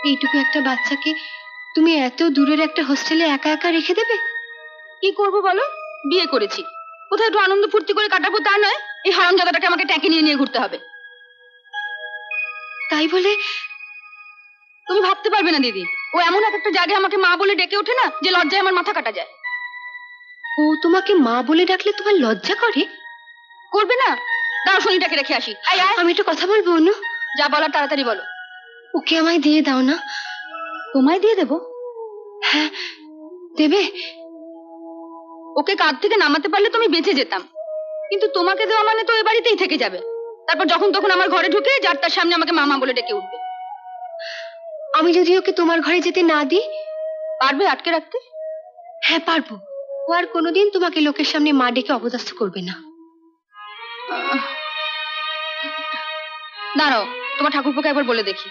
এইটুকু একটা বাচ্চাকে তুমি এত দূরের একটা হোস্টেলে একা একা রেখে দেবে? কি করবো বলো, বিয়ে করেছি, কোথায় একটু আনন্দ ফুর্তি করে কাটাবো তা নয়, এই হারামজাদাটাকে আমাকে ট্যাঁকে নিয়ে নিয়ে ঘুরতে হবে। তাই বলে তুমি ভাবতে পারবে না দিদি, ও এমন একটা জায়গায় আমাকে মা বলে ডেকে ওঠে না যে লজ্জায় আমার মাথা কাটা যায়। ও তোমাকে মা বলে ডাকলে তোমার লজ্জা করে? করবে না? দাঁড়াও, শনিটাকে রেখে আসি। আমি একটু কথা বলবো অনু। যা বলার তাড়াতাড়ি বলো। ওকে আমায় দিয়ে দাও না। তোমায় দিয়ে দেবো? হ্যাঁ, দেবে? ওকে কাঁধ থেকে নামাতে পারলে তুমি বেঁচে যেতাম, কিন্তু তোমাকে দেওয়া মানে তো এ বাড়িতেই থেকে যাবে। তারপর যখন তখন আমার ঘরে ঢুকে যার তার সামনে আমাকে মামা বলে ডেকে উঠবে। আমি যদি ওকে তোমার ঘরে যেতে না দিই? পারবে আটকে রাখতে? হ্যাঁ পারবো। ও আর কোনোদিন তোমাকে লোকের সামনে মা ডেকে অপদস্থ করবে না। দাঁড়াও, তোমার ঠাকুরপোকে একবার বলে দেখি।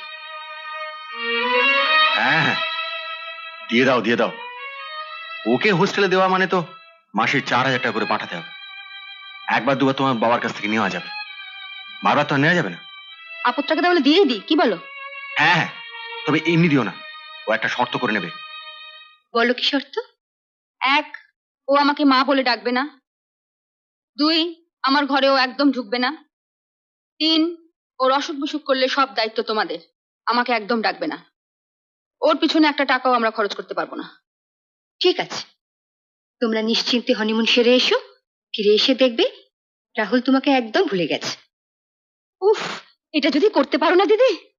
হ্যাঁ, দিয়ে দাও দিয়ে দাও। ওকে হোস্টেলে দেওয়া মানে তো মাসে 4,000 টাকা করে পাঠাতে হবে। একবার দুবার তোমার বাবার কাছ থেকে নেওয়া যাবে, বারবার তো নেওয়া যাবে না। আপদটাকে তাহলে দিয়েই দিই, কি বলো? হ্যাঁ হ্যাঁ, তবে এমনি দিও না, ও একটা শর্ত করে নেবে। বলো কি শর্ত? 1, ও আমাকে মা বলে ডাকবে না। 2, আমার ঘরে ও একদম ঢুকবে না। 3, ওর অসুখ বিসুখ করলে সব দায়িত্ব তোমাদের, আমাকে একদম ডাকবে না। ওর পিছনে একটা টাকাও আমরা খরচ করতে পারবো না। ঠিক আছে, তোমরা নিশ্চিন্তে হনিমুন সেরে এসো। ফিরে এসে দেখবে রাহুল তোমাকে একদম ভুলে গেছে। উফ, এটা যদি করতে পারো না দিদি,